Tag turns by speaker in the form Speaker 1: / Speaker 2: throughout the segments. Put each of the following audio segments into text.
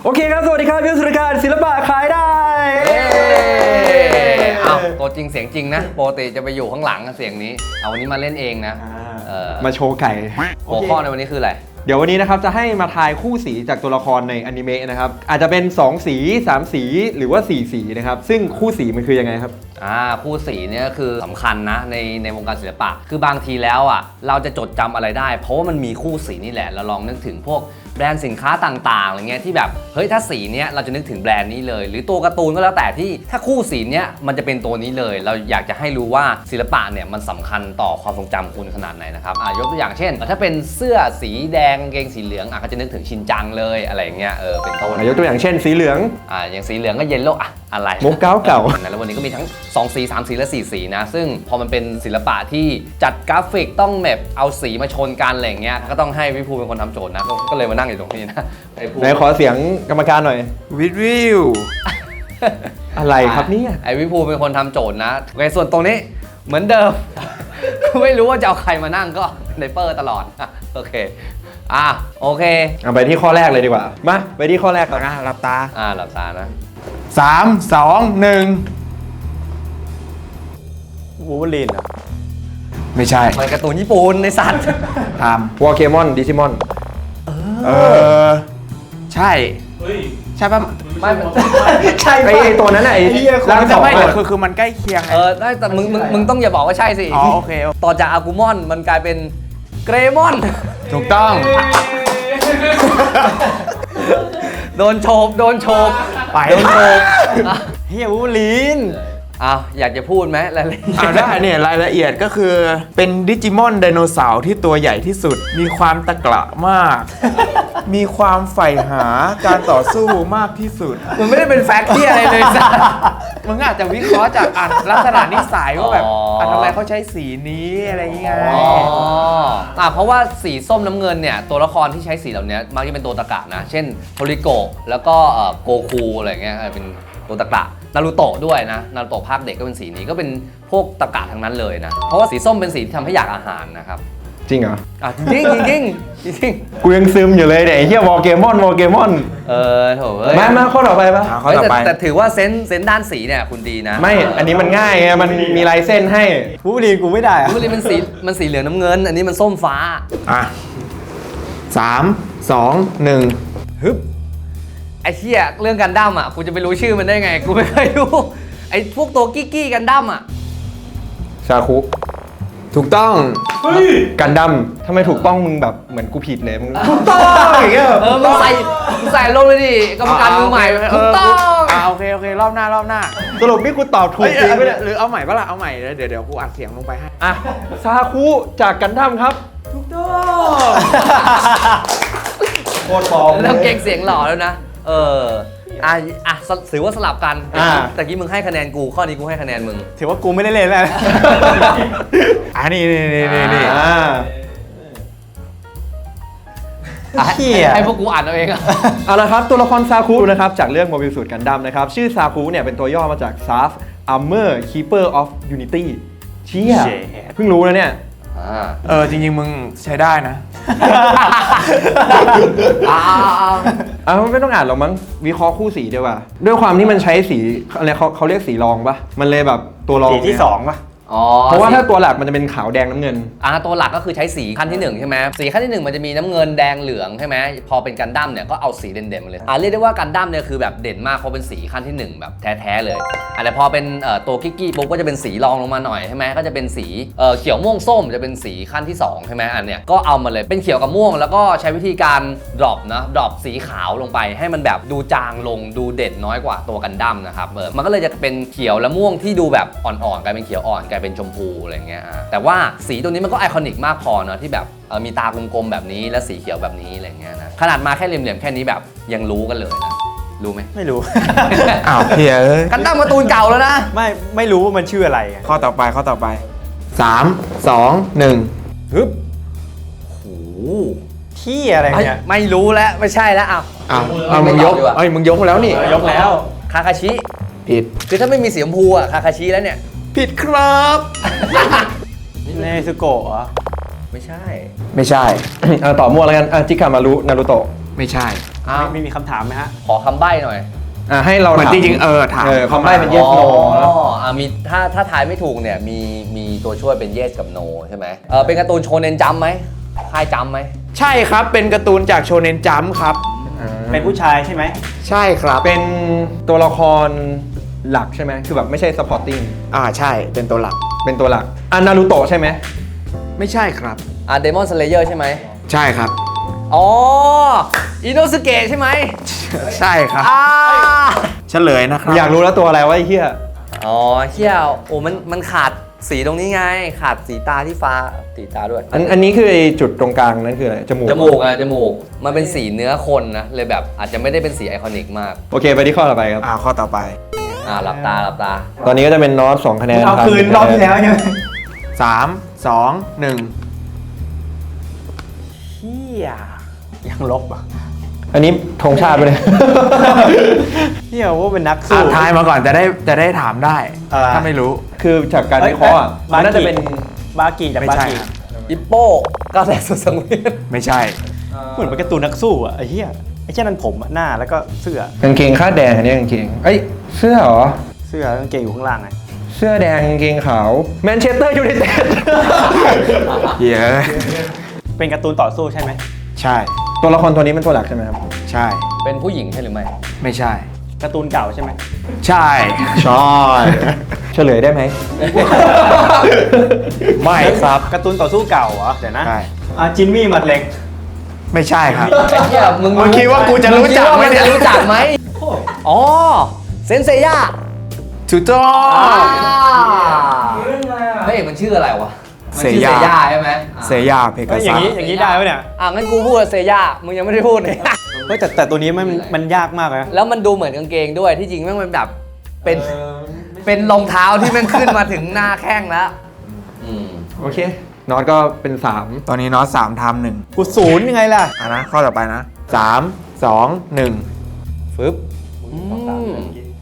Speaker 1: โอเคครับสวัสดีครับพี่สุริการศิลปะขายได้
Speaker 2: เอาตัวจริงเสียงจริงนะปกติจะไปอยู่ข้างหลังเสียงนี้เอาวันนี้มาเล่นเองนะ
Speaker 1: มาโชว์ไก่
Speaker 2: หัวข้อในวันนี้คืออะไร
Speaker 1: เดี๋ยววันนี้นะครับจะให้มาทายคู่สีจากตัวละครในอนิเมะนะครับอาจจะเป็น2สี3สีหรือว่า4สีนะครับซึ่งคู่สีมันคือยังไงครับ
Speaker 2: คู่สีเนี่ยคือสำคัญนะในวงการศิลปะคือบางทีแล้วเราจะจดจำอะไรได้เพราะว่ามันมีคู่สีนี่แหละเราลองนึกถึงพวกแบรนด์สินค้าต่างๆอะไรเงี้ยที่แบบเฮ้ยถ้าสีเนี้ยเราจะนึกถึงแบรนด์นี้เลยหรือตัวการ์ตูนก็แล้วแต่ที่ถ้าคู่สีเนี้ยมันจะเป็นตัวนี้เลยเราอยากจะให้รู้ว่าศิลปะเนี่ยมันสำคัญต่อความทรงจำคุณขนาดไหนนะครับยกตัวอย่างเช่นถ้าเป็นเสื้อสีแดงกางเกงสีเหลืองก็จะนึกถึงชินจังเลยอะไรเงี้ยเป็นต้น
Speaker 1: ยกตัวอย่างเช่นสีเหลือง
Speaker 2: อย่างสีเหลืองก็เยลโล่อะไร
Speaker 1: มุกเก่า
Speaker 2: แล้ววันนี้ก็มีทั้ง2สี3สีและ4สีนะซึ่งพอมันเป็นศิลปะที่จัดกราฟิกต้องแบบเอาสีมาชนกันอะไรเงี้ยก็ต้องให้พี่ภูเป็นคนทำโจทย์นะก็เลยมานั่งอยู่ตรงนี้นะ
Speaker 1: ไหนขอเสียงกรรมการหน่อย
Speaker 3: วิว
Speaker 1: อะไรครับเนี่ย
Speaker 2: พี่ภูเป็นคนทำโจทย์นะโอเคส่วนตรงนี้เหมือนเดิม ไม่รู้ว่าจะเอาใครมานั่งก็ไนเปอร์ตลอดโอเคโอเค
Speaker 1: ไปที่ข้อแรกเลยดีกว่ามาไปที่ข้อแรกก่อน
Speaker 3: หลับตา
Speaker 2: หลับตานะ
Speaker 3: 3 2 1
Speaker 1: วูล์ฟเวอรีนเหรอ
Speaker 3: ไม่ใช่
Speaker 2: มันการ์ตูนญี่ปุ่นในสัตว์
Speaker 3: ท
Speaker 1: วอลเกมอนดิจิมอน
Speaker 3: ใช่ใช่ป่ะ
Speaker 2: ไม่
Speaker 1: ใช่ไอตัวนั้นไอ้
Speaker 3: ร่างสองคือมันใกล้เคียง
Speaker 2: ได้แต่มึงต้องอย่าบอกว่าใช่สิ
Speaker 3: โอเค
Speaker 2: ต่อจากอากูมอนมันกลายเป็นเกรมอน
Speaker 3: ถูกต้อง
Speaker 2: โดนโฉบ
Speaker 3: ไป
Speaker 2: โดนโฉบ
Speaker 1: เฮียวูล์ฟเวอรีน
Speaker 2: อยากจะพูดไหมรายละเอียด
Speaker 3: ได้เนี่ยรายละเอียดก็คือเป็นดิจิมอนไดโนเสาร์ที่ตัวใหญ่ที่สุดมีความตะกละมากมีความใฝ่หาการต่อสู้มากที่สุด
Speaker 2: มันไม่ได้เป็นแฟกต์ที่อะไรเลยสัส
Speaker 3: มึงอาจจะวิเคราะห์จากลักษณะนิสัยว่าแบบทำไมเขาใช้สีนี้อะไรอย่างเงี้ย
Speaker 2: เพราะว่าสีส้มน้ำเงินเนี่ยตัวละครที่ใช้สีเหล่านี้มักจะเป็นตัวตะกะนะเช่นโทริโกะแล้วก็โกคูอะไรเงี้ยเป็นตัวตะกะนารูโตะด้วยนะนารูโตะภาคเด็กก็เป็นสีนี้ก็เป็นพวกตะกะทั้งนั้นเลยนะเพราะว่าสีส้มเป็นสีที่ทำให้อยากอาหารนะครับ
Speaker 1: จริงเหรอ
Speaker 2: จริง
Speaker 1: กูยังซึมอยู่เลยเนี่ยไอ้เหี้ยวอลเกมอน
Speaker 2: โถ
Speaker 1: มาข้อต่อไปปะ
Speaker 3: ข้อต่อไป
Speaker 2: แต่ถือว่าเซนส์ด้านสีเนี่ยคุณดีนะ
Speaker 1: ไม่อันนี้มันง่ายไงมันมีลายเส้นให้วูล์ฟเวอรีนกูไม่ได้
Speaker 2: วูล์ฟเวอรีนมันสีเหลืองน้ำเงินอันนี้มันส้มฟ้า
Speaker 3: 3 2 1ฮึบ
Speaker 2: ไอ้เชี่ยเรื่องกันดั้มกูจะไปรู้ชื่อมันได้ไงกูไม่เคยรู้ไอ้พวกตัวกี้กันดั้ม
Speaker 1: ชาคุ
Speaker 3: ถูกต้อง
Speaker 1: กันดั้มทำไมถูกต้องมึงแบบเหมือนกูผิดเลยมึงถูกต้องอย่างเงี้ย
Speaker 2: มึงใส่ลงเลยดิกรรมการมือใหม่ถูกต้อง
Speaker 3: โอเครอบหน้า
Speaker 1: สรุปนี่กูตอบถูกจริงไหมเนี่ย
Speaker 3: หรือเอาใหม่ปะล่ะเอาใหม่เดี๋ยวกูอัดเสียงลงไปให้
Speaker 1: ชาคุจากกันดั้มครับ
Speaker 3: ถูกต้อง
Speaker 1: โคตรปลอม
Speaker 2: แล้วเก่งเสียงหล่อแล้วนะถือว่าสลับกันแต่กี้มึงให้คะแนนกูข้อนี้กูให้คะแนนมึง
Speaker 1: ถือว่ากูไม่ได้เล่นแล้ว
Speaker 3: นี่
Speaker 2: ให้พวกกูอ่านเอาเอง
Speaker 1: เอาละครับตัวละครซาคุนะครับจากเรื่องโมบิลสูตรกันดั้มนะครับชื่อซาคุเนี่ยเป็นตัวย่อมาจาก Saf Armor Keeper of Unity เชี่ยเพิ่งรู้นะเนี่ย
Speaker 3: จริงๆมึงใช้ได้นะ
Speaker 1: ไม่ต้องอ่านหรอกมั้งวิเคราะห์คู่สีดีกว่าด้วยความที่มันใช้สีอะไรเขาเรียกสีรองปะมันเลยแบบตัวรอง
Speaker 3: สีที่2ปะ
Speaker 1: เพราะว่าถ้าตัวหลักมันจะเป็นขาวแดงน้ำเงิน
Speaker 2: ตัวหลักก็คือใช้สีขั้นที่1ใช่ไหมสีขั้นที่1มันจะมีน้ำเงินแดงเหลืองใช่ไหมพอเป็นกันดั้มเนี่ยก็เอาสีเด่นๆมาเลยเรียกได้ว่ากันดั้มเนี่ยคือแบบเด่นมากเพราะเป็นสีขั้นที่1แบบแท้ๆเลยแต่พอเป็นตัวกี้ปุ๊บก็จะเป็นสีรองลงมาหน่อยใช่ไหมก็จะเป็นสีเขียวม่วงส้มจะเป็นสีขั้นที่2ใช่ไหมอันเนี้ยก็เอามาเลยเป็นเขียวกับม่วงแล้วก็ใช้วิธีการดรอปสีขาวลงไปให้มันแบบดูจางลงดูเด่นน้อยกว่าตัวกันดั้มนะครับมันก็เลยจะเป็นเขียวและม่วงที่ดูแบบอ่อนๆกลายเป็นเขียวอ่อนกลายเป็นชมพูอะไรเงี้ยแต่ว่าสีตัวนี้มันก็ไอคอนิกมากพอเนาะที่แบบมีตากลมๆแบบนี้และสีเขียวแบบนี้อะไรเงี้ยนะขนาดมาแค่เหลี่ยมๆแค่นี้แบบยังรู้กันเลยนะรู้ไหม
Speaker 1: ไม่รู้
Speaker 3: เฮีย
Speaker 2: กันดั้มการ์ตูนเก่าแล้วนะ
Speaker 1: ไม่รู้ว่ามันชื่ออะไร
Speaker 3: ข้อต่อไป3 2 1ฮึบ
Speaker 2: โห
Speaker 1: ที่อะไรเนี่ย
Speaker 2: ไม่รู้แล้วไม่ใช่แล้ว
Speaker 3: มึงยกมึงยกแล้วนี่
Speaker 1: ยกแล้ว
Speaker 2: คาคาชิ
Speaker 3: ผิด
Speaker 2: คือถ้าไม่มีสีชมพูคาคาชิแล้วเนี่ย
Speaker 3: ผิดครับ
Speaker 1: เนซึโกะเหรอ
Speaker 2: ไม่ใช่
Speaker 3: ต่อมั่วแล้วกันจิกามารุนารูโตะ
Speaker 2: ไม่ใช่อ้าว
Speaker 4: ไม่มีคำถามไหมฮะ
Speaker 2: ขอคำใบ้หน่อย
Speaker 1: ให้เรา
Speaker 3: เหมือน
Speaker 1: ถาม
Speaker 3: จริงๆถาม
Speaker 1: คำใบ้เป็น yes no นะ
Speaker 2: มีถ้าทายไม่ถูกเนี่ยมีตัวช่วยเป็น yes กับ no ใช่ไหมเป็นการ์ตูนโชเนนจัมป์ไหมค่ายจัมป์ไหม
Speaker 3: ใช่ครับเป็นการ์ตูนจากโชเนนจัมป์ครับ
Speaker 4: เป็นผู้ชายใช่ไหม
Speaker 3: ใช่ครับ
Speaker 1: เป็นตัวละครหลักใช่ไหมคือแบบไม่ใช่ supporting
Speaker 3: ใช่เป็นตัวหลัก
Speaker 1: เป็นตัวหลักนารูโตะใช่ไหม
Speaker 3: ไม่ใช่ครับ
Speaker 2: เดมอนสเลเยอร์ใช่ไหม
Speaker 3: ใช่ครับ
Speaker 2: อ๋ออิโนสเกะใช่ไหม
Speaker 3: ใช่ครับ เฉลยนะครับ
Speaker 1: อยากรู้แล้วตัวอะไรวะไอ้เหี้ย
Speaker 2: อ๋อเชี่ยวโอ้มันขาดสีตรงนี้ไง ขาดสีตาที่ฟ้าสีตาด้วย
Speaker 1: อันนี้คือไอ้จุดตรงกลางนั่นคืออะไรจมูก
Speaker 2: จมูกมันเป็นสีเนื้อคนนะเลยแบบอาจจะไม่ได้เป็นสีไอคอนิกมาก
Speaker 1: โอเคไปที่ข้อต่อไปครับ
Speaker 3: ข้อต่อไป
Speaker 2: หลับตา
Speaker 1: ตอนนี้ก็จะเป็นนอต2คะแนน
Speaker 4: เอาคืนรอบที่แล้วใช่ไหม
Speaker 3: 3 2 1
Speaker 4: เฮียยังลบอ่ะ
Speaker 1: อันนี้ธงชาติไปเลย
Speaker 4: เฮียว่าเป็นนักสู้
Speaker 3: ทายมาก่อนจะได้ถามได้ ถ้าไม่รู้
Speaker 1: คือจากการวิเคราะห์มันน่าจะเป็น
Speaker 4: บากีจาก
Speaker 3: ไม่
Speaker 4: บา
Speaker 3: ใช่
Speaker 4: กี
Speaker 3: ครับ
Speaker 2: อิปโป้ก้าวแรกสุดสังเวียน
Speaker 3: ไม่ใช่
Speaker 4: เหมือนเป็นการ์ตูนนักสู้อ่ะไอ้เฮียไอ้แค่นั้นผมอะหน้าแล้วก็เสื้อก
Speaker 1: างเกงคาดแดงอันนี้กางเกงเอ้ยเสื้อเหรอ
Speaker 4: เสื้อกางเกงอยู่ข้างล่างไง
Speaker 1: เสื้อแดงกางเกงขาวแมนเชสเตอร์ยูไนเต็ด
Speaker 3: เหี้ย
Speaker 4: เป็นการ์ตูนต่อสู้ใช่ไหม
Speaker 3: ใช่
Speaker 1: ตัวละครตัวนี้เป็นตัวหลักใช่ไหมครับ
Speaker 3: ใช่
Speaker 2: เป็นผู้หญิงใช่หรือไม่
Speaker 3: ไม่ใช่
Speaker 4: การ์ตูนเก่าใช่ไหม
Speaker 3: ใช่
Speaker 1: ใช่เฉลยได้ไหม
Speaker 3: ไม่ครับ
Speaker 4: การ์ตูนต่อสู้เก่าเหรอเดี๋ยวนะ
Speaker 3: ใช่
Speaker 4: จินมี่หมัดเหล็ก
Speaker 3: ไม่ใช่ครับ
Speaker 2: ไอ้เหี้ยมึง
Speaker 3: มึงคิดว่ากูจะรู้จักไหมเนี่ย
Speaker 2: งคิดว่ามึงจะรู้จักไหมอ๋อเซนเซย่า
Speaker 3: ถูกต้อง
Speaker 2: เฮ้ยมันชื่ออะไรวะมัน
Speaker 3: เซ
Speaker 2: ชื่อเซ
Speaker 3: ย่า
Speaker 2: ย่าใช่ไหม
Speaker 3: เซย่าเพกา
Speaker 4: อ
Speaker 3: ซั
Speaker 4: ย่าง
Speaker 3: ส
Speaker 4: นี้ได้ไหมเนี่ย
Speaker 2: งั้นกูพูดว่าเซย่ามึงยังไม่ได้พูดเลย
Speaker 4: เฮ้ยแต่ตัวนี้มันยากมากเลยนะ
Speaker 2: แล้วมันดูเหมือนกางเกงด้วยที่จริงแม่งเป็นแบบเป็นรองเท้าที่แม่งขึ้นมาถึงหน้าแข้งแล้วม
Speaker 1: โอเคนอตก็เป็น3
Speaker 3: ตอนนี้น็อต3ทำ1
Speaker 4: กูศูนย์ยังไงล่ะ
Speaker 3: นะข้อต่อไปนะ 3 2 1
Speaker 2: ฟึบอืม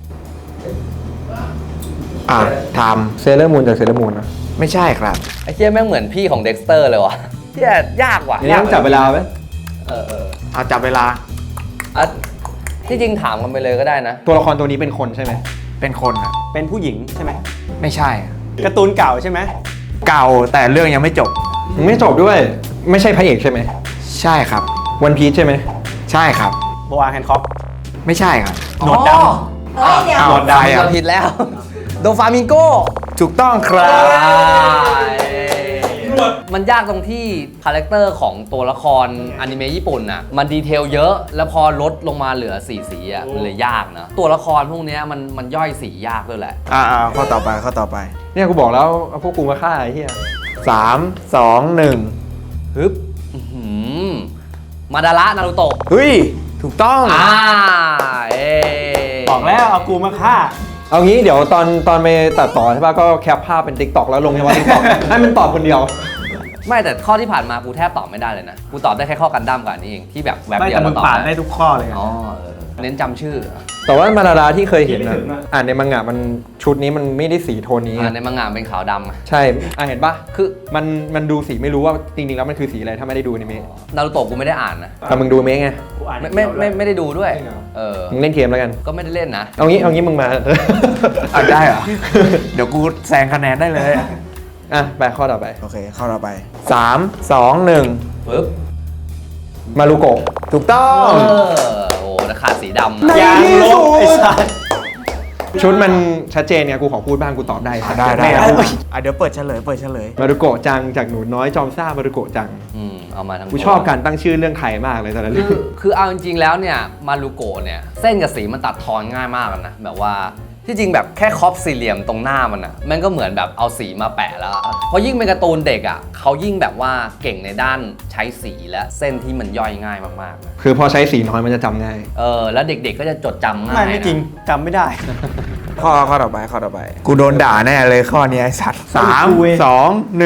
Speaker 3: ท
Speaker 1: เซเลอร์มูนจากเซเลอร์มูนนะ
Speaker 3: ำไม่ใช่ครับ
Speaker 2: ไอ้เหี้ยแม่งเหมือนพี่ของเด็กสเตอร์เลยวะเหี้ยยากว่ะ
Speaker 1: อันนี้ต้องจับเวลาไหม
Speaker 3: เอาจับเวลา
Speaker 2: อ่ะที่จริงถามกันไปเลยก็ได้นะ
Speaker 1: ตัวละครตัวนี้เป็นคนใช่ไหม
Speaker 3: เป็นคนครับ
Speaker 4: เป็นผู้หญิงใช่ไหม
Speaker 3: ไม่ใช่
Speaker 4: การ์ตูนเก่าใช่ไหม
Speaker 3: เก่าแต่เรื่องยังไม่จบ
Speaker 1: ไม่จบด้วยไม่ใช่พระเอกใช่ไหม
Speaker 3: ใช่ครับ
Speaker 1: วันพีชใช่ไหม
Speaker 3: ใช่ครับ
Speaker 4: โบอาแฮนค็อก
Speaker 3: ไม่ใช่ครับ
Speaker 4: หนวดด
Speaker 5: เฮ้ยเดี๋ยว
Speaker 3: เอา
Speaker 4: หนวดดำ
Speaker 3: ใคร
Speaker 2: เราผิดแล้ว โดฟามิงโก
Speaker 3: ถูกต้องครับ
Speaker 2: มันยากตรงที่คาแรคเตอร์ของตัวละครอนิเมะญี่ปุ่นน่ะมันดีเทลเยอะแล้วพอลดลงมาเหลือสีสีอ่ะมันเลยยากนะตัวละครพวกเนี้ยมันย่อยสียากด้วยแหละ
Speaker 3: ข้อต่อไปข้อต่อไป
Speaker 1: เนี่ยกูบอกแล้วเอาพวกกูมาฆ่าไอ้เหี้ย
Speaker 3: 3 2 1
Speaker 2: ฮึบอื้อหือมาดาระนารูโตะ
Speaker 3: เฮ้ย ถูกต้อง
Speaker 2: เอ๊ะ
Speaker 4: ำบอกแล้วเอากูมาฆ่า
Speaker 1: เอางี้เดี๋ยวตอนไปตัดต่อใช่ป่ะก็แคปภาพเป็น TikTok แล้วลงในวัน TikTok ให้มันตอบคนเดียว
Speaker 2: ไม่แต่ข้อที่ผ่านมากูแทบตอบไม่ได้เลยนะกูตอบได้แค่ข้อกันดั้มกับอันนี้เองที่แบบแวบ
Speaker 4: ไม่
Speaker 2: เดียว
Speaker 4: แต่มึ
Speaker 2: เรา
Speaker 4: ง
Speaker 2: ตอบ
Speaker 4: ปาดได้ทุกข้อเลยอะ
Speaker 2: อ๋อเน้นจำชื่อ
Speaker 1: แต่ว่ามาดาราที่เคยเห็นนะอ่านในมังงะมันชุดนี้มันไม่ได้สีโทนนี้
Speaker 2: ในมังงะเป็นขาวดำอะ
Speaker 1: ใช่เห็นป่ะ
Speaker 2: คือ
Speaker 1: มันดูสีไม่รู้ว่าจริงๆแล้วมันคือสีอะไรถ้าไม่ได้ดูอนิเมะ
Speaker 2: นารูโตะกูไม่ได้อ่านนะ
Speaker 1: แต่มึงดูอนิเมะไง
Speaker 4: กูอ่าน
Speaker 2: ไม่ได้ดูด้วย
Speaker 1: จริงเหรอ
Speaker 2: เ
Speaker 1: มึงเล่นเกมแล้วกัน
Speaker 2: ก็ไม่ได้เล่นนะ
Speaker 1: เอางี้มึงมา
Speaker 3: ได้เหรอ เดี๋ยวกูแซงคะแนนได้เลย
Speaker 1: ไปข้อต่อไป
Speaker 3: โอเค ข้อต่อไป 3 2 1
Speaker 2: ปึ๊บ
Speaker 1: มารุโกะ
Speaker 3: ถูกต้อง
Speaker 2: โอ้แต่ขาดสีดำนะ
Speaker 4: ยางลบไอ้สัส
Speaker 1: ชุดมันชัดเจนเนี่ยกูขอพูดบ้างกูตอบได้
Speaker 3: ได้
Speaker 4: ไม่เอา
Speaker 3: เดี๋ยวเปิดเฉลย
Speaker 1: มารุโกะจังจากหนูน้อยจอมซ่ามารุโกะจัง
Speaker 2: เอามาทั้ง
Speaker 1: กูชอบการตั้งชื่อเรื่องไทยมากเลยตอนนั้น
Speaker 2: คือเอาจริงๆแล้วเนี่ยมารูโกะเนี่ยเส้นกับสีมันตัดทอนง่ายมากนะ แบบว่าที่จริงแบบแค่ครอปสี่เหลี่ยมตรงหน้ามันอ่ะมันก็เหมือนแบบเอาสีมาแปะแล้วเพราะยิ่งเป็นการ์ตูนเด็กอ่ะเขายิ่งแบบว่าเก่งในด้านใช้สีและเส้นที่มันย่อยง่ายมากๆนะ
Speaker 1: คือพอใช้สีน้อยมันจะจำง่าย
Speaker 2: แล้วเด็กๆก็จะจดจำง่าย
Speaker 4: ไม่จริง
Speaker 2: นะ
Speaker 4: จำไม่ได้
Speaker 3: ข้อต่อไป กูโดนด่าแน่เลยข้อนี้ไอ้สัตว์
Speaker 4: กูเอง
Speaker 3: 3 2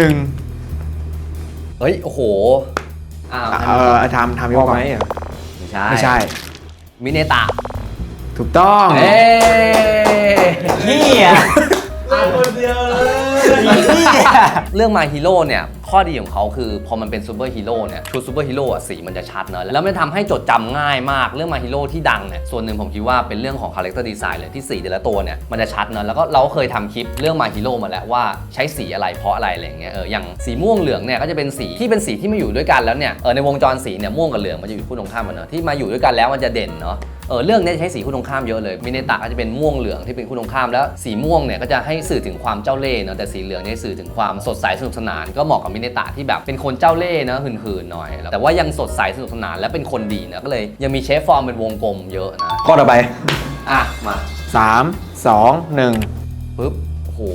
Speaker 3: 1
Speaker 2: เฮ้ยโอ้โหอ้าว
Speaker 3: ทำ
Speaker 1: พ
Speaker 3: ย
Speaker 1: อก
Speaker 3: ก่
Speaker 1: ไห
Speaker 3: อ
Speaker 1: ม
Speaker 3: น
Speaker 1: อ่ะ
Speaker 2: ไม่ใช่
Speaker 3: ไม่ใช่
Speaker 2: มิเนตะ
Speaker 3: ถูกต้อง
Speaker 2: เอ้
Speaker 4: เฮีย
Speaker 2: ยเรื่อง My Hero เนี่ยข้อดีของเขาคือพอมันเป็นซูเปอร์ฮีโร่เนี่ยชุดซูเปอร์ฮีโร่อะสีมันจะชัดเนอะแล้วมันทำให้จดจำง่ายมากเรื่อง My Hero ที่ดังเนี่ยส่วนหนึ่งผมคิดว่าเป็นเรื่องของ Character Design เลยที่สีแต่ละตัวเนี่ยมันจะชัดเนอะแล้วก็เราก็เคยทำคลิปเรื่อง My Hero มาแล้วว่าใช้สีอะไรเพราะอะไรอะไรอย่างเงี้ยอย่างสีม่วงเหลืองเนี่ยก็จะเป็นสีที่เป็นสีที่มาอยู่ด้วยกันแล้วเนี่ยในวงจรสีเนี่ยม่วงกับเหลืองมันจะอยู่คู่ตรงข้ามกันเนอะที่มาอยู่ด้วยกันแล้วมันจะเด่นเนาะเรื่องนี้ใช้สีคู่ตรงข้ามเยอะเลยมิเนตะก็จะเป็นม่วงเหลืองที่เป็นคู่ตรงข้ามแล้วสีม่วงเนี่ยก็จะให้สื่อถึงความเจ้าเล่ห์เนอะแต่สีเหลืองเนี่ยสื่อถึงความสดใสสนุกสนานก็เหมาะกับมิเนตะที่แบบเป็นคนเจ้าเล่ห์นะหืนๆหน่อยแต่ว่ายังสดใสสนุกสนานและเป็นคนดีนะก็เลยยังมีเชฟฟอร์มเป็นวงกลมเยอะนะ
Speaker 1: ข้อต่อไป
Speaker 2: อ่ะมา
Speaker 3: 3 2 1
Speaker 2: ปึ๊บโอ้โห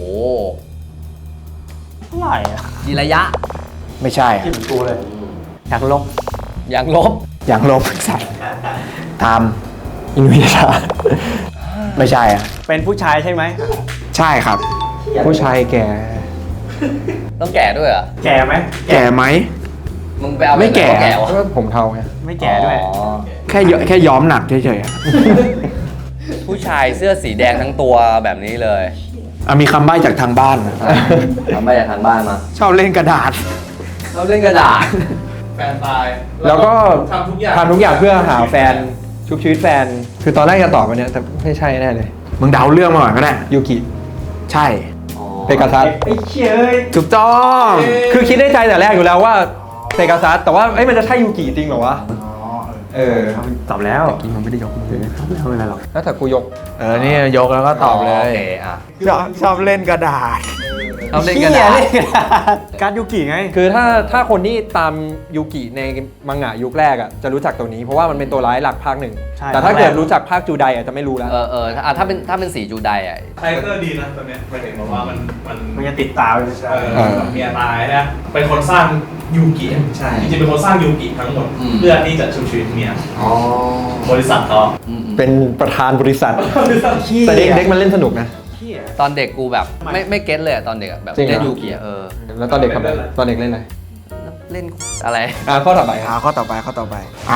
Speaker 4: เท่าไหร่อะ
Speaker 2: จีระยะ
Speaker 3: ไม่ใช่
Speaker 4: ที่เหมือนกูเลยอยากลบ
Speaker 2: อย่างลบ
Speaker 3: อย่างลบใส่ทำอินวิชาไม่ใช่อ่ะ
Speaker 4: เป็นผู้ชายใช่ไหม
Speaker 3: ใช่ครับ
Speaker 1: ผู้ชายแก่
Speaker 2: ต้องแก่ด้วยเหรอ่ะ
Speaker 4: แก่ไหม
Speaker 3: แก่ไหม
Speaker 2: มึงไปเอา
Speaker 3: ไม่แก่
Speaker 2: แก่วะ
Speaker 1: ก็ผมเทาไง
Speaker 4: ไม่แก่ด้วย
Speaker 2: อ๋อ
Speaker 3: แค่ย้อมหนักเฉยๆอะ
Speaker 2: ผู้ชายเสื้อสีแดงทั้งตัวแบบนี้เลย
Speaker 3: มีคำใบ้จากทางบ้านนะ
Speaker 2: ทำไปจากทางบ้านมา
Speaker 3: ชอบเล่นกระดาษ
Speaker 2: เราเล่นกระดาษ
Speaker 5: แฟนตาย
Speaker 1: แล้วก็
Speaker 5: ทำทุกอย่าง
Speaker 1: ทำทุกอย่างเพื่อหาแฟนชุบชีวิตแฟน คือตอนแรกจะตอบอันเนี้ยแต่ไม่ใช่แน่เลย
Speaker 3: มึงเดาเรื่องมาก่อนก็ได้
Speaker 1: ยูกิ
Speaker 3: ใช่
Speaker 1: เปกาซัส
Speaker 4: ไอ้เชี่ยเอ้ย
Speaker 3: ถูกต้อง
Speaker 1: คือคิดในใจแต่แรกอยู่แล้วว่าเปกาซัสแต่ว่ามันจะใช่ยูกิจริงเหรอวะ
Speaker 4: ตอบแล้ว
Speaker 3: กินมันไม่ได้ยกมือ
Speaker 4: ไม่เป็นไรหรอก
Speaker 1: แล้วแต่กูยก
Speaker 3: นี่ยกแล้วก็ตอบเล
Speaker 2: โอย เคอ่ะ
Speaker 3: ชอบเล่นกระดาษ
Speaker 2: เราเล่นกระดาษ
Speaker 4: การดยูกิไง
Speaker 1: คือถ้าคนที่ตามยูกิในมังงะยุคแรกอ่ะจะรู้จักตัวนี้เพราะว่ามันเป็นตัวร้ายหลักภาคหนึ่ง
Speaker 4: ใช่
Speaker 1: แต่ถ้าเกิดรู้จักภาคจูไดอ่ะจะไม่รู้แล้ว
Speaker 2: ถ้าเป็นสีจูไดอ่ะ
Speaker 5: คาแรคเตอร์ดีนะตอนเนี้ยหมายถึงว่ามัน
Speaker 4: มันจะติดตาไปใช่
Speaker 5: เมียตายนะเป็นคนสร้างยูกิใช่จริงๆเป็นคนสร้างยูกิทั้งหมดเพื่อที่จะชุบชีวิตเมียบริษัทเขา
Speaker 1: เป็นประธานบริษัท แต่เด็กมันเล่นสนุกนะ
Speaker 2: ตอนเด็กกูแบบไม่เก็ตเลยอะตอนเด็กอะแบบ
Speaker 1: จริงเหรอ
Speaker 2: เล่นยูกิอะ
Speaker 1: แล้วตอนเด็กทำอะไรตอนเด็กเล่นอะไร
Speaker 2: เล่นอะไร
Speaker 1: ข้อต่อไปครับ
Speaker 3: ข้อต่อไป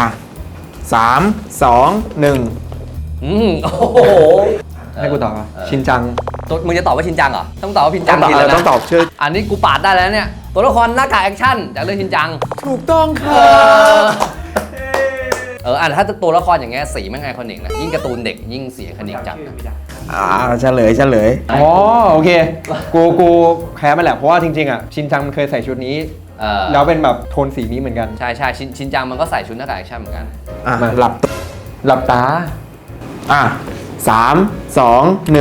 Speaker 3: 3 2 1
Speaker 2: โอ้โห
Speaker 1: ให้กูตอบป่ะชินจัง
Speaker 2: มึงจะตอบว่าชินจังเหรอต้องตอบว่าชินจัง
Speaker 3: ต้องตอบชื่อ
Speaker 2: อันนี้กูปาดได้แล้วเนี่ยตัวละครหน้ากากแอคชั่นจากเรื่องชินจัง
Speaker 3: ถูกต้องค่ะ
Speaker 2: ถ้าตัวละครอย่างเงี้ยสีแม่งไอคอนิกนะยิ่งการ์ตูนเด็กยิ่งสีไอคอนิกจัดนะ
Speaker 3: เฉลย
Speaker 1: อ๋อโอเค กูแพ้มันแหละเพราะว่าจริงๆอ่ะชินจังมันเคยใส่ชุดนี้ แล้วเป็นแบบโทนสีนี้เหมือนกัน
Speaker 2: ใช่ชินจังมันก็ใส่ชุดหน้ากากแอคชั่นเหมือนกัน
Speaker 3: หลับ
Speaker 1: หลับตา
Speaker 3: 3 2 1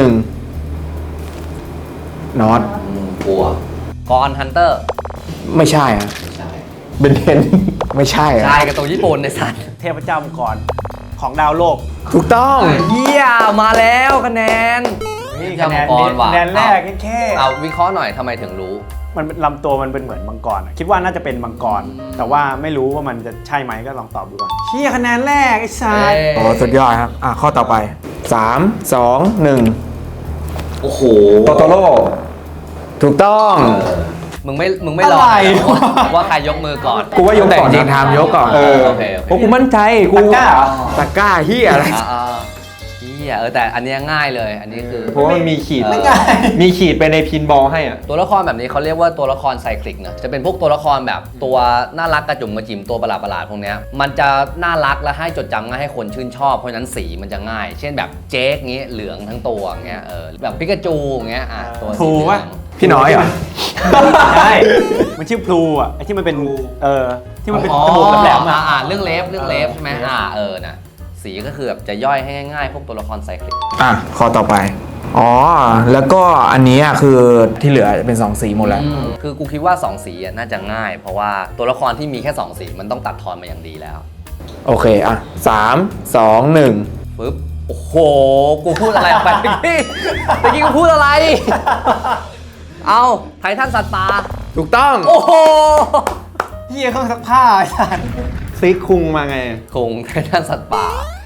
Speaker 3: น็อต
Speaker 2: กลัวกอนฮันเตอร์
Speaker 3: ไม่ใช่อ่ะ
Speaker 1: เบนเทน
Speaker 3: ไม่ใช่อ่ะ
Speaker 2: ใช่การ์ตูนญี่ปุ่นในสัตว์
Speaker 4: เทพเจ้ามังกรของดาวโลก
Speaker 3: ถูกต้อง
Speaker 2: เยี่ยมาแล้วคะแนน
Speaker 4: นี่
Speaker 2: เจ้า
Speaker 4: คะแน
Speaker 2: มัง
Speaker 4: น
Speaker 2: กรว่ะ
Speaker 4: คะแนนแรกแค่
Speaker 2: เอาวิเคราะห์หน่อยทำไมถึงรู้
Speaker 4: มันลำตัวมันเป็นเหมือนมังกรอะคิดว่าน่าจะเป็นมังกร แต่ว่าไม่รู้ว่ามันจะใช่ไหมก็ลองตอบดูก่อนเชี่ยคะแนนแรกไอ้สัส
Speaker 3: โอ้สุดยอดครับ ข้อต่อไป 3 2 1
Speaker 2: โอ้โห
Speaker 1: โตโตโร่
Speaker 3: ถูกต้อง
Speaker 2: มึงไม่รอว่าใครยกมือก่อน
Speaker 1: กูว่ายก
Speaker 3: แต่
Speaker 1: ก่อน
Speaker 3: จริง
Speaker 1: นะ
Speaker 3: ๆทำยกก่อน
Speaker 2: โอเค
Speaker 1: เพราะกูมั่นใจกู
Speaker 4: ตะกร้าเหรอ
Speaker 3: ตะกร้าเฮียอะไร
Speaker 2: เฮียแต่อันเนี้ยง่ายเลยอันนี้คือ
Speaker 1: เพราะว่ามันมีขีด
Speaker 2: ไม่
Speaker 1: มีขีดไปในพินบอลให้อ่ะ
Speaker 2: ตัวละครแบบนี้เขาเรียกว่าตัวละครไซคลิกนะจะเป็นพวกตัวละครแบบตัวน่ารักกระจุ่มกระจิ๋มตัวประหลาดๆพวกเนี้ยมันจะน่ารักและให้จดจำง่ายให้คนชื่นชอบเพราะฉะนั้นสีมันจะง่าย เช่นแบบเจ๊กงี้เหลืองทั้งตัวเงี้ยแบบปิกาจูเงี้ยตัวสีเหลือง
Speaker 3: พี่น้อยเหรอ
Speaker 4: ใช่มันชื่อพลูอ่ะไอ้ที่มันเป็นที่มันเป็นจมูกแหลมๆอ่ะ
Speaker 2: เรื่องเล็บใช่ไหมนะสีก็คือแบบจะย่อยให้ง่ายๆพวกตัวละครไซคลิก
Speaker 3: ข้อต่อไป แล้วก็อันนี้คือที่เหลือเป็น 2 สีหมดแล้ว
Speaker 2: คือกูคิดว่า2สีน่าจะง่าย เพราะว่าตัวละครที่มีแค่2สีมันต้องตัดทอนมาอย่างดีแล้ว
Speaker 3: โอเค 3 2 1
Speaker 2: ปึ๊บโอ้โหกูพูดอะไรออกไปเมื่อกี้กูพูดอะไร เอาไททันสัตว์ป่า
Speaker 3: ถูกต้อง
Speaker 2: โอ้โห
Speaker 4: เฮียเครื่องซักผ้าไอ้สัส
Speaker 1: ซิกคุงมาไง
Speaker 2: คงไททันสัตว์ป่า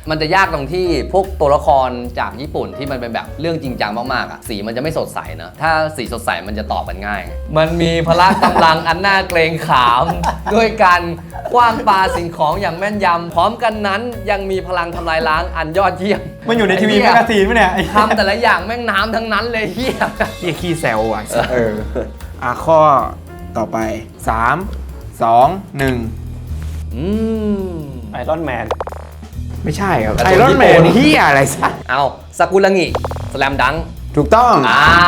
Speaker 2: มันจะยากตรงที่พวกตัวละครจากญี่ปุ่นที่มันเป็นแบบเรื่องจริงจังมากๆอ่ะสีมันจะไม่สดใสนะถ้าสีสดใสมันจะตอบกันง่าย มันมีพละกำลังอันน่าเกรงขาม ด้วยการคว้างปาสิ่งของอย่างแม่นยำพร้อมกันนั้นยังมีพลังทำลายล้างอันยอดเยี่ยม
Speaker 4: มันอยู่ในทีวี
Speaker 2: ไอ้
Speaker 4: แม
Speaker 2: เหี้
Speaker 4: ก
Speaker 2: ย
Speaker 4: กาซีนปะเนี่ยไอ้
Speaker 2: ทำแต่ละอย่างแม่งน้ำทั้งนั้นเลยเฮีย
Speaker 3: ที่ขี้แซวอ่ะ
Speaker 1: เออ
Speaker 3: ข้อต่อไป 3 2
Speaker 4: ไอรอนแมน
Speaker 3: 1 ไม่ใช่ครับ
Speaker 2: การ์
Speaker 3: ไอ
Speaker 2: ตูน
Speaker 3: รอนแม
Speaker 2: ญี่
Speaker 3: น
Speaker 2: ปุ่น
Speaker 3: ที่อะไรสัก
Speaker 2: เอาสกุลังิสแลมดัง
Speaker 3: ถูกต้อง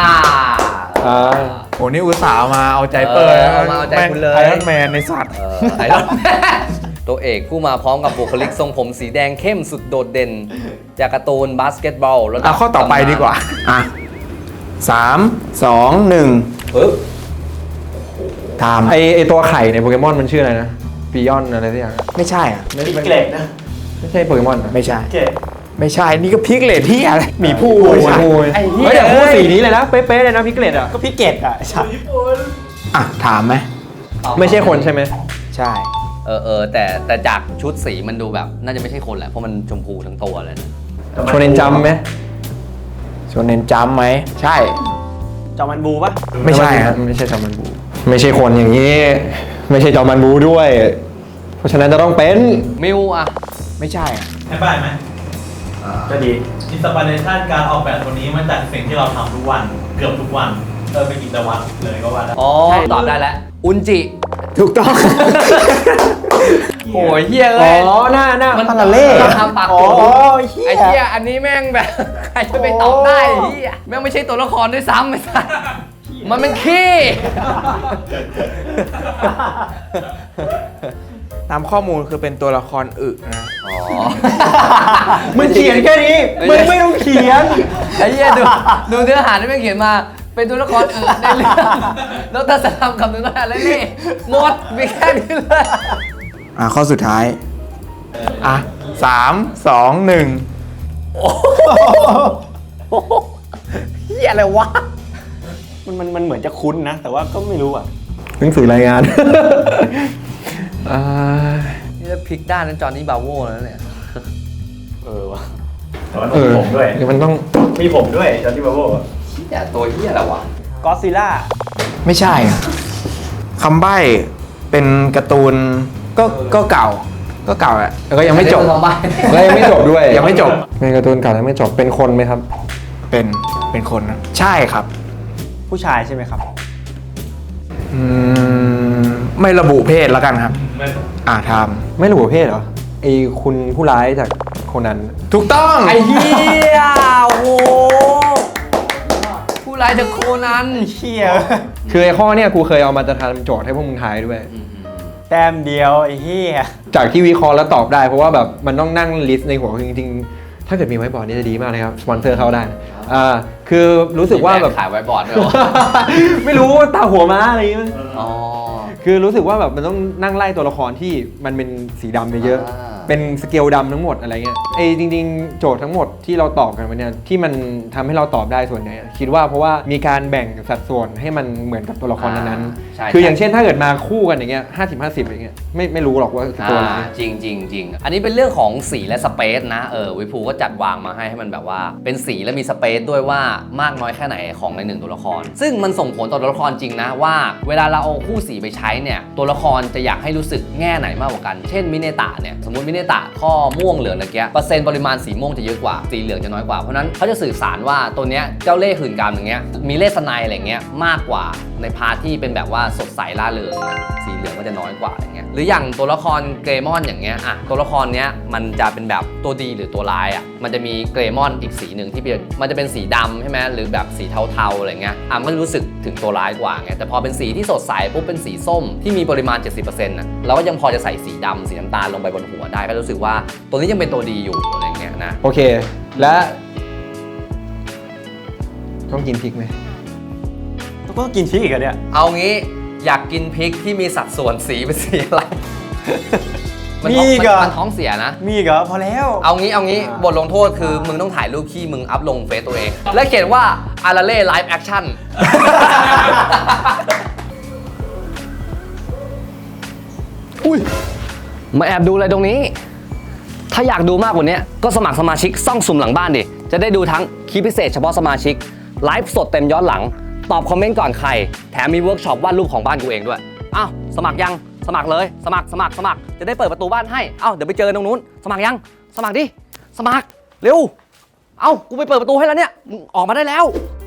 Speaker 3: โอ้นี่อุตส่าห์มาเอาใจเปิด
Speaker 2: เอามาเอาใจคุณเลย
Speaker 3: ไอรอนแมนในสัตว์
Speaker 2: ไอรอนแมนตัวเอกผู้มาพร้อมกับบุคลิกทรงผมสีแดงเข้มสุดโดดเด่น จากการ์ตูนบาสเกตบอลแล้ว
Speaker 3: ข้อต่อไปดีกว่า 3 2 1
Speaker 2: ปึ๊บ
Speaker 3: ถาม
Speaker 1: ไอตัวไข่ในโปเกมอนมันชื่ออะไรนะปิยอนอะไรสักอย่าง
Speaker 3: ไม่ใช่อ่ะ
Speaker 4: พิกเกล็ดนะ
Speaker 1: ไม่ใช่โปเกมอนเหรอ
Speaker 3: ไม่ใช่
Speaker 4: เกล็ด
Speaker 3: ไม่ใช่ นี่ก็พิกเลตที่อะไร
Speaker 1: หมีผู้
Speaker 3: ไม่
Speaker 1: หมี
Speaker 3: ใช่
Speaker 1: ผู้
Speaker 4: ไอ้เหี้ย
Speaker 1: เฮ้ยแต่พูดสีนี้เลยนะ เป๊ะๆเลยนะพิกเลตอ่ะ
Speaker 4: ก็พิกเกล็ดอ่ะไอ้สัตว์
Speaker 3: ถามไหม
Speaker 1: ไม่ใช่คนใช่ไหม
Speaker 3: ใช่
Speaker 2: แต่จากชุดสีมันดูแบบน่าจะไม่ใช่คนแหละเพราะมันชมพูทั้งตัวเลยนะ
Speaker 1: โชเนนจัมป์ไหม
Speaker 3: ชวนเน้นจำไหม ใช่
Speaker 4: จอมันบูปะ
Speaker 3: ไม่ใช่ฮะ
Speaker 1: ไม่ใช่จอมันบู ไม่ใช่คนอย่างนี้ ไม่ใช่จอมันบูด้วย เพราะฉะนั้นจะต้องเป็น
Speaker 2: มิวอะ
Speaker 3: ไม่ใช่อ่ะ
Speaker 5: ให้ป้ายไหม
Speaker 4: ก็ดี
Speaker 5: อินสปิเรชันการออกแบบตัวนี้มาจากสิ่งที่เราทำทุกวันเกือบทุกวันเป็นกิจวัตรเลยก็ว่าได้
Speaker 2: อ๋อตอบได้แล้วอุนจิ
Speaker 3: ถูกต้อง
Speaker 2: โอ้ยเฮีย
Speaker 1: อ๋
Speaker 2: เอ้ย
Speaker 1: อ หน้า
Speaker 2: มัน
Speaker 3: พาราเล่
Speaker 2: ทำปาก
Speaker 4: อ๋อ
Speaker 2: โกง
Speaker 4: เหี้ย
Speaker 2: ไอ้เฮียอันนี้แม่งแบบ ใครจะไปตอบได้เฮียแม่งไม่ใช่ตัวละครด้วยซ้ำไอ้สัสมันเป็นขี้
Speaker 3: ตามข้อมูลคือเป็นตัวละครอึนะ
Speaker 2: อ๋อ
Speaker 1: มึงเขียนแค่นี้ มึงไม่ต้องเขียน
Speaker 2: ไอ้เหี้ยดูเนื้อหาที่แม่งเขียนมาเป็นตัวละครอื่นในเรื่องแล้วถ้าจะทำคำนึงได้อะไรนี่หมดมีแค่นี้เลย
Speaker 3: ข้อสุดท้าย 3 2 1
Speaker 2: เหี้ยอะไรวะ
Speaker 4: มันเหมือนจะคุ้นนะ แต่ว่าก็ไม่รู้อ่ะ
Speaker 1: หนังสือรายงาน
Speaker 2: นี่จะพลิกด้านนั้นจอห์นนี่บราโว่แล้วเนี่ย
Speaker 4: วะ
Speaker 5: แต่ว่าต้องมีผมด้วย
Speaker 1: มันต้อง
Speaker 5: มีผมด้วยจอร์ดี้บาโว
Speaker 2: เหี้ยตัวเหี้ยอะไรวะ
Speaker 4: ก็ซิล่า
Speaker 3: ไม่ใช่อะคำใบ้เป็นการ์ตูนก็เก่า ก็เก่าแหละ
Speaker 1: แล้วก็ยังไม่จบ
Speaker 2: ลองไป
Speaker 1: แล้วยังไม่จบด้วย
Speaker 3: ยังไม่จบ
Speaker 1: เป็นการ์ตูนเก่าแล้วไม่จบ เป็นคนไหมครับ
Speaker 3: เป็นคนนะ ใช่ครับ
Speaker 4: ผู้ชายใช่ไหมครับ
Speaker 3: ไม่ระบุเพศแล้วกันครับ
Speaker 5: ไม่
Speaker 3: ท
Speaker 1: ไม่รู้ประเภทเหรอ ไอ้คุณผู้ร้ายจากโคนัน
Speaker 3: ำถูกต้อง
Speaker 2: ไอ้เหี้ยโอ้โหผู้ร้ายจากโคนัน
Speaker 4: เชี่ย
Speaker 1: คือไอ้ข้อเนี่ยกูเคยเอามาจะทำโจทย์ให้พวกมึงทายด้วย
Speaker 4: แต้มเดียวไอ้เหี้ย
Speaker 1: จากที่วิเคราะห์แล้วตอบได้ เพราะว่าแบบมันต้องนั่งลิสต์ในหัวจริงๆ ถ้าเกิดมีไว้บอร์ดนี่จะดีมากเลยครับ สปอนเซอร์เข้าได้นะคือรู้สึกว่าแบบ
Speaker 2: ขายไว้บอร์ดด้วยวะ
Speaker 1: ไม่รู้ตาหัวม้าอะไรอย่างเงี้ย
Speaker 2: อ๋อ
Speaker 1: คือรู้สึกว่าแบบมันต้องนั่งไล่ตัวละครที่มันเป็นสีดำเยอะ
Speaker 2: อ่า
Speaker 1: ๆเป็นสเกลดำทั้งหมดอะไรเงี้ยจริงๆ โจทย์ทั้งหมดที่เราตอบกันไปเนี่ยที่มันทำให้เราตอบได้ส่วนใหญ่อะคิดว่าเพราะว่ามีการแบ่งสัดส่วนให้มันเหมือนกับตัวละครนั้น
Speaker 2: ใช่
Speaker 1: ๆคืออย่างเช่นถ้าเกิดมาคู่กันอย่างเงี้ย50-50อย่างเงี้ยไม่รู้หรอกว่าคือตัวอะไร
Speaker 2: จริงจริงจริงอันนี้เป็นเรื่องของสีและสเปซนะวิภูก็จัดวางมาให้มันแบบว่าเป็นสีและมีสเปซด้วยว่ามากน้อยแค่ไหนของในหนึ่งตัวละคร ซึ่งมันส่งผลต่อตัวละครจริงนะว่าเวลาเราเอาคู่สีไปใช้เนี่ยตัวละครจะอยากให้รู้สึกแง่ไหนมากกว่ากันเช่นมิเนตะเนี่ยสมมติมิเนตะข้อม่วงเหลืองอะไรเงี้ยเปอร์เซ็นต์ปริมาณสีม่วงจะเยอะกว่าสีเหลืองจะน้อยกว่าเพราะนั้นเขาจะสื่อสารว่าตัวเนี้ยเจ้าเล่ห์หื่นกามอย่างเงี้ยมีเลสไนอะไรเงี้ยมากกว่าในพาร์ทที่เป็นแบบว่าสดใสล่าเริงนะสีเหลืองก็จะน้อยกว่าอย่างเงี้ยหรืออย่างตัวละครเกรมอนอย่างเงี้ยตัวละครเนี้ยมันจะเป็นแบบตัวดีหรือตัวร้ายมันจะมีเกรมอนอีกสีหนึ่งที่เป็นมันจะเป็นสีดำใช่ไหมหรือแบบสีเทาๆอะไรเงี้ยมันรู้สึกถึงตัวร้ายกว่าไงแต่พอเป็นสีที่สดใสปุ๊บเป็นสีส้มที่มีปริมาณ 70%เราก็ยังพอจะใส่สีดำสีน้ำตาลลงไปบนหัวได้ก็รู้สึกว่าตัวนี้ยังเป็นตัวดีอยู่อะไรเงี้ยนะ
Speaker 1: โอเค และต้องกินพริกไหม
Speaker 4: ก็กินพริกอีกอะเนี่ย
Speaker 2: เอางี้อยากกินพริกที่มีสัดส่วนสีเป็นสีอะไร
Speaker 4: มีอีกเหรอ
Speaker 2: มันท้องเสียนะ
Speaker 4: มีอีกเหรอพอแล้ว
Speaker 2: เอางี้บทลงโทษคือมึงต้องถ่ายรูปขี้มึงอัพลงเฟซตัวเอง และเขียนว่าอาราเล่ไลฟ์แอคชั่น
Speaker 1: อุ้ย
Speaker 2: มาแอบดูอะไรตรงนี้ถ้าอยากดูมากกว่านี้ก็สมัครสมาชิกซ่องสุ่มหลังบ้านดิจะได้ดูทั้งคลิปพิเศษเฉพาะสมาชิกไลฟ์สดเต็มย้อนหลังตอบคอมเมนต์ก่อนใครแถมมีเวิร์กช็อปวาดรูปของบ้านกูเองด้วยอ้าวสมัครยังสมัครเลยสมัครจะได้เปิดประตูบ้านให้เอ้าเดี๋ยวไปเจอตรงนู้นสมัครยังสมัครดิสมัครเร็วเอ้ากูไปเปิดประตูให้แล้วเนี่ยมึงออกมาได้แล้ว